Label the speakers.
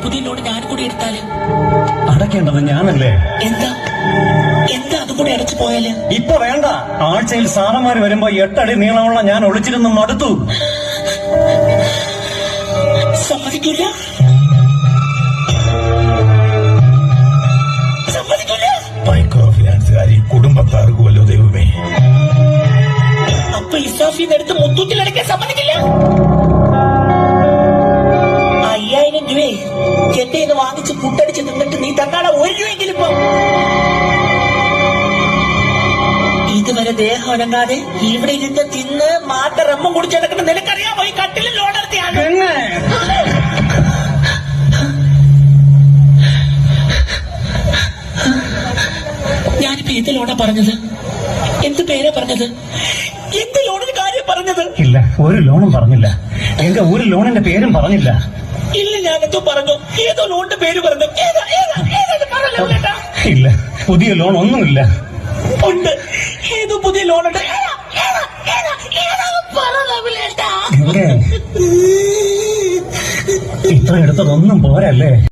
Speaker 1: പുതിയ ലോൺ ഞാൻ കൂടി എടുത്താല്
Speaker 2: അടയ്ക്കേണ്ടത് ഞാനല്ലേ?
Speaker 1: എന്താ എന്താ അതും കൂടെ അടച്ചു പോയാല്?
Speaker 2: ഇപ്പൊ വേണ്ട. ആഴ്ചയിൽ സാറന്മാര് വരുമ്പോ 8 അടി നീളമുള്ള ഞാൻ ഒളിച്ചിരുന്ന് മടുത്തു.
Speaker 1: സമ്മതിക്കില്ല.
Speaker 3: മൈക്രോ ഫിനാൻസുകാരി കുടുംബത്താർക്കുമല്ലോ ദൈവമേ.
Speaker 1: അപ്പൊ ഇസാഫിന്ന് എടുത്ത് മുത്തൂറ്റിലടക്കാൻ സമ്മതിക്കില്ല. 5000 രൂപയെ എന്റെ ഇത് വാങ്ങിച്ച് പുട്ടടിച്ച് നിന്നിട്ട് നീ തന്നാളെ 1 രൂപയെങ്കിലും ഇപ്പൊ ഇതുവരെ ദേഹം അനങ്ങാതെ ഇവിടെ ഇരുന്ന് തിന്ന് മാറ്റ റമ്മും കുടിച്ചെടുക്കുന്ന നിനക്കറിയാമോ ഈ കട്ടിലിൽ ലോൺ എടുത്തിയാണ്. ഞാനിപ്പോ എന്ത് ലോണാ പറഞ്ഞത്? എന്ത് പേരാ പറഞ്ഞത്? എന്ത് ലോണിന് കാര്യം പറഞ്ഞത്?
Speaker 2: ഇല്ല, ഒരു ലോണും പറഞ്ഞില്ല. എന്റെ ഒരു ലോണിന്റെ പേരും പറഞ്ഞില്ല.
Speaker 1: ഇല്ല, ഞാനെന്തോ പറഞ്ഞു. ഏതോ ലോണിന്റെ പേര് പറഞ്ഞു.
Speaker 2: ഇല്ല, പുതിയ ലോൺ ഒന്നുമില്ല.
Speaker 1: ഉണ്ട്, ഏതോ പുതിയ ലോണുണ്ട്.
Speaker 2: ഇത്ര എടുത്തതൊന്നും പോരല്ലേ?